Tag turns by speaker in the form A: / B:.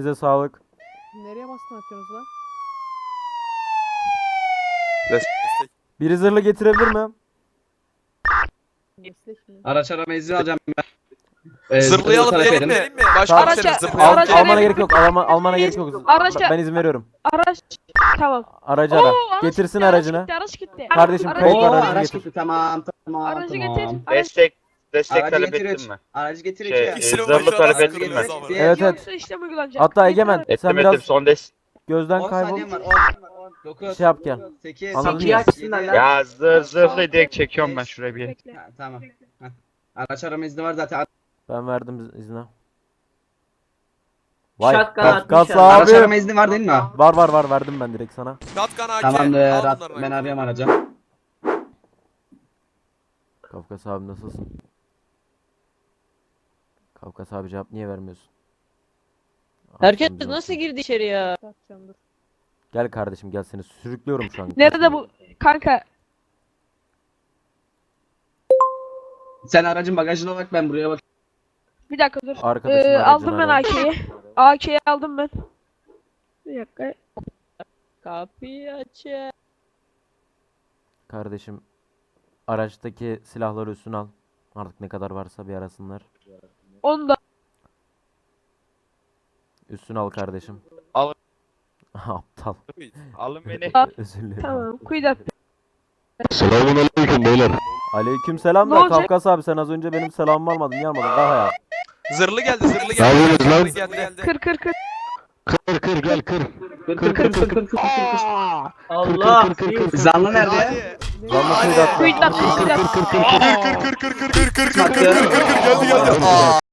A: Elinize sağlık.
B: Nereye baskın atıyorsunuz lan?
C: Destek.
A: Biri zırhlı getirebilir mi?
B: Meslek mi?
D: Araç arama izni alacağım ben.
C: Zırhlayalım
D: talep
C: diyelim
D: edin.
C: mi? Başkomiserim
E: Araca-
C: zırhlayalım.
E: araca-
A: Almana gerek yok. Almana gerek yok.
E: Araca-
A: Ben izin veriyorum.
E: Araç tamam.
A: Aracı
E: Oo,
A: ara.
E: araç
A: Getirsin
E: gitti,
A: aracını.
E: Araç gitti.
A: Kardeşim,
E: Araç-
A: kayıt
D: Oo
A: var, aracı
D: araç
A: getir.
D: gitti tamam.
E: Aracı
D: tamam.
E: getir.
F: Destek
D: Aracı
F: talep
D: getir
F: ettin
D: üç.
F: mi?
D: Aracı getir
F: Şey,
D: iki.
C: İkisini
F: zırhlı
C: başına
F: talep
C: nasıl
F: ettin mi?
C: kırmızı ama?
A: Evet, evet.
E: Yoksa işlem uygulanacak.
A: Hatta
E: Yeter.
A: Egemen sen
F: Ettim
A: biraz
F: son des.
A: gözden
D: 10
A: kaybol.
D: saniyem var. 10, 9,
A: Şey yap gel.
D: 8,
A: Anladın mı?
F: Ya zırhlı direkt çekiyorum ben şuraya bir.
E: Bekle.
D: Tamam. Heh. Araç arama izni var zaten.
A: Ben verdim izni. Vay
G: Shotgun
A: Kafkas
G: atmış
D: Araç arama
A: abi.
D: izni var değil mi?
A: Var verdim ben direkt sana.
C: Shotgun AK.
D: Tamamdır.
C: Al bunların
D: Ben
C: AK.
D: arıyorum aracı.
A: Kafkas abi nasılsın? Kafkas abi cevap niye vermiyorsun?
G: Herkes
A: Aklımız
G: nasıl
A: olsun.
G: girdi içeri ya?
B: Atacağım dur.
A: Gel kardeşim gel seni sürüklüyorum şu an.
E: Nerede bu kanka?
D: Sen aracın bagajına bak ben buraya bak.
E: Bir dakika dur.
A: Arkadaşın aracını
E: Aldım ben
A: ara.
E: AK'yi. AK'yi aldım ben. Bir dakika.
G: Kapıyı aç.
A: Kardeşim araçtaki silahları üstüne al. Artık ne kadar varsa bir arasınlar.
E: Onu da
A: Üstüne al kardeşim.
F: Al.
A: Aptal.
F: Alın beni.
A: Özür dilerim.
E: tamam. Kuyudat.
A: Aleyküm selam
E: Ne
A: da
E: olacak?
A: Kafkas abi sen az önce benim selamımı almadın niye almadın daha ya.
C: Zırhlı geldi zırhlı geldi. Zırhlı geldi.
E: Kır kır kır.
G: Allah.
D: Zanlı nerede?
C: Hadi.
A: Canlı
C: Hadi.
A: kuyudat.
E: Kuyudat. Kuyudat.
C: Kır geldi geldi.